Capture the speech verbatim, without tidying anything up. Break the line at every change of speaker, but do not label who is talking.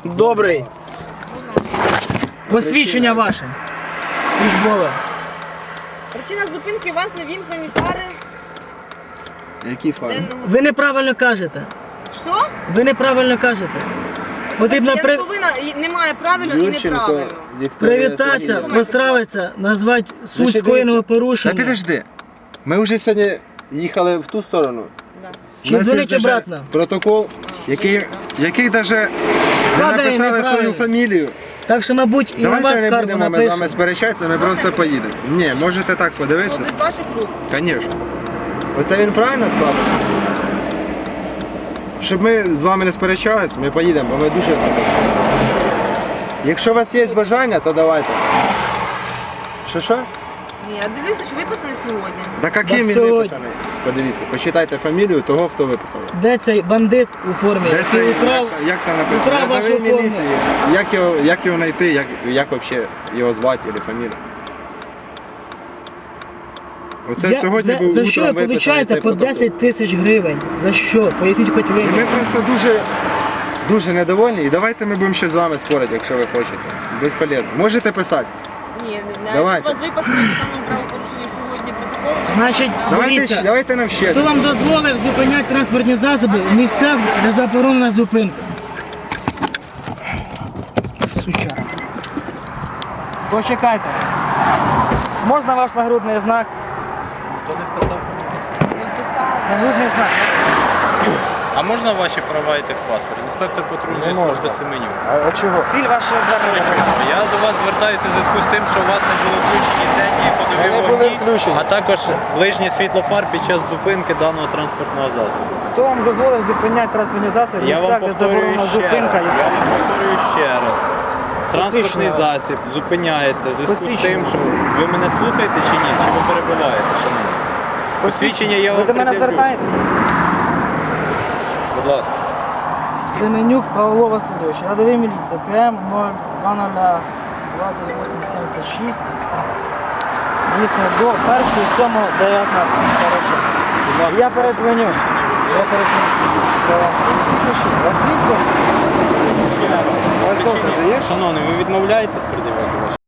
Добрий. Посвідчення ваше. Службове.
Причина зупинки у вас не вімкнені фари.
Які фари?
денного
Ви неправильно кажете.
Що?
Ви неправильно кажете. Потрібно
Я не
при...
повинна, і немає правильно і
Юрченко
неправильно.
Вікторія
привітатися,
Сергіївна.
поздравитися, назвати суть
Значить,
скоєного
дивіться.
порушення.
Та підожди. Ми вже сьогодні їхали в ту сторону.
Да.
Чи
У нас є
дзвонить
даже
обратно?
Протокол, який, який навіть не
Складає
написали
неправильно.
свою фамілію.
Так що, мабуть, і на
Давайте
вас
не
скаргу
будемо ми з вами
напишемо.
сперечатися, ми просто поїдемо. Ні, можете так
Ну,
подивитися.
без ваших рук.
Звісно. Оце він правильно склав? Щоб ми з вами не сперечалися, ми поїдемо, бо ми дуже... Якщо у вас є бажання, то давайте. Що що?
Ні, я дивлюся, що виписаний сьогодні.
Да яким
Так
він
сьогодні.
виписаний? Подивіться, почитайте фамілію того, хто виписав.
Де цей бандит у формі,
Де це,
який украв,
як, як там написано?
украв вашу
Рядовий
форму?
міліції. Як його, як його знайти, як, як взагалі його звати або фамілію? Оце
Я-
сьогодні
за,
був
за
утром
що ви
виписаний
получаєте
цей
по
протокол.
десять тисяч гривень? За що? Поясніть хоч ви.
І ми просто дуже, дуже недовольні. І давайте ми будемо ще з вами спорити, якщо ви хочете. Безполезно. Можете писати.
Ні, не- не-
Давайте.
якщо у вас виписаний по даному правопорушенню сьогодні протокол,
Значить,
Давайте,
дивіться,
ще- давайте нам ще.
хто вам дозволив зупиняти транспортні засоби в місцях, де заборонена зупинка? Сучара. Почекайте. Можна ваш нагрудний знак?
не вписав.
Нагрудний знак.
А можна ваші права і техпаспорт? Інспектор патрульної
Не можна.
служби Семенюк.
А, а чого?
Ціль вашого звернення.
Я до вас звертаюся в зв'язку з тим, що у вас не були включені денні ходові
Вони були
вогні,
включені.
а також ближнє світло фар під час зупинки даного транспортного засобу.
Хто вам дозволив зупиняти транспортні засоби в
Я вам
місцях, де
повторюю
заборонена
ще
зупинка?
раз. Я вам повторюю ще раз. Транспортний
Посвідчення ваше.
засіб зупиняється в зв'язку з
Посвідчення.
тим, що ви мене слухаєте чи ні? Чи ви перебуваєте, шановні? Посвідчення я
Ви
вам
до мене
пред'явлю.
звертаєтесь?
Будь ласка.
Семенюк Павло Васильович, рядовий міліція, ПМ нуль двадцять вісім сімдесят шість. Дійсно, до першого сьомого дев'ятнадцятого. Хорошо.
Будь ласка.
Я передзвоню. Я передзвоню.
У вас є? У вас докази є?
Шановний, ви відмовляєтесь пред'явити ваші?